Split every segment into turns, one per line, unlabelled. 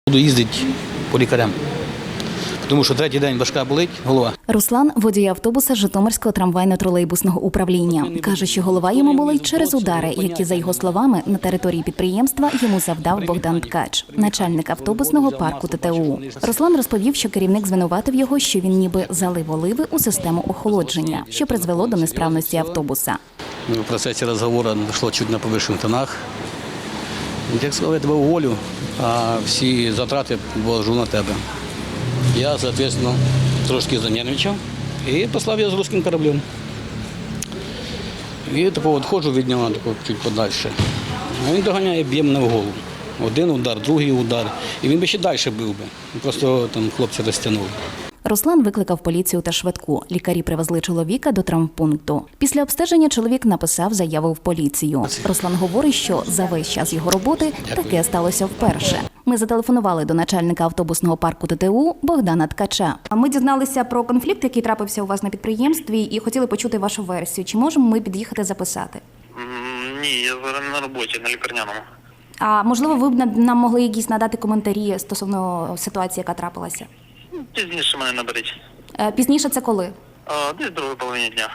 Буду їздити по лікарям, тому що третій день важка болить голова.
Руслан – водій автобуса Житомирського трамвайно-тролейбусного управління. Каже, що голова йому болить через удари, які, за його словами, на території підприємства йому завдав Богдан Ткач, начальник автобусного парку ТТУ. Руслан розповів, що керівник звинуватив його, що він ніби залив оливи у систему охолодження, що призвело до несправності автобуса.
В процесі розговору дійшло чуть на повищених тонах. Як сказав, я тебе уволю, а всі затрати вложу на тебе. Я, відповідно, трошки занервничав і послав його з руським кораблем. І тако відходжу від нього чуть подальше. Він доганяє, б'є мене в голову. Один удар, другий удар. І він би ще далі бив би. Просто там хлопці розтягнули.
Руслан викликав поліцію та швидку. Лікарі привезли чоловіка до травмпункту. Після обстеження чоловік написав заяву в поліцію. Руслан говорить, що за весь час його роботи таке сталося вперше. Ми зателефонували до начальника автобусного парку ТТУ Богдана Ткача. Ми дізналися про конфлікт, який трапився у вас на підприємстві, і хотіли почути вашу версію. Чи можемо ми під'їхати записати?
Ні, я зараз на роботі, на лікарняному.
А можливо, ви б нам могли якісь надати коментарі стосовно ситуації, яка трапилася?
Пізніше мене наберіть.
Пізніше це коли?
Десь в другій половині дня.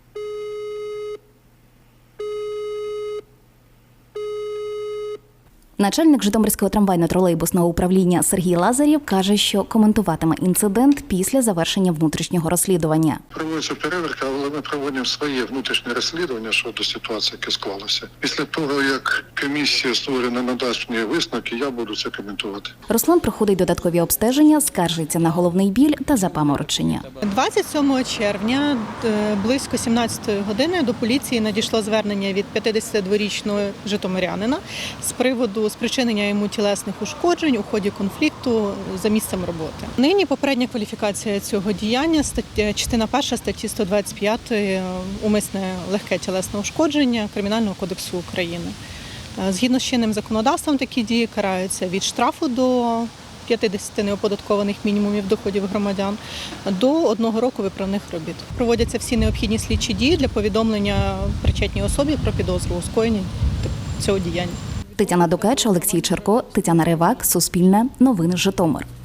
Начальник Житомирського трамвайно-тролейбусного управління Сергій Лазарєв каже, що коментуватиме інцидент після завершення внутрішнього розслідування.
Проводиться перевірка, але ми проводимо своє внутрішнє розслідування щодо ситуації, яка склалася. Після того, як комісія створена надасть мені висновки, я буду це коментувати.
Руслан проходить додаткові обстеження, скаржиться на головний біль та запаморочення.
27 червня близько 17-ї години до поліції надійшло звернення від 52-річного житомирянина з приводу спричинення йому тілесних ушкоджень у ході конфлікту за місцем роботи. Нині попередня кваліфікація цього діяння, частина 1 статті 125 умисне легке тілесне ушкодження Кримінального кодексу України. Згідно з чинним законодавством такі дії караються від штрафу до 50 неоподаткованих мінімумів доходів громадян до 1 року виправних робіт. Проводяться всі необхідні слідчі дії для повідомлення причетній особі про підозру у скоєнні цього діяння.
Тетяна Дукач, Олексій Черко, Тетяна Ривак, Суспільне, Новини Житомир.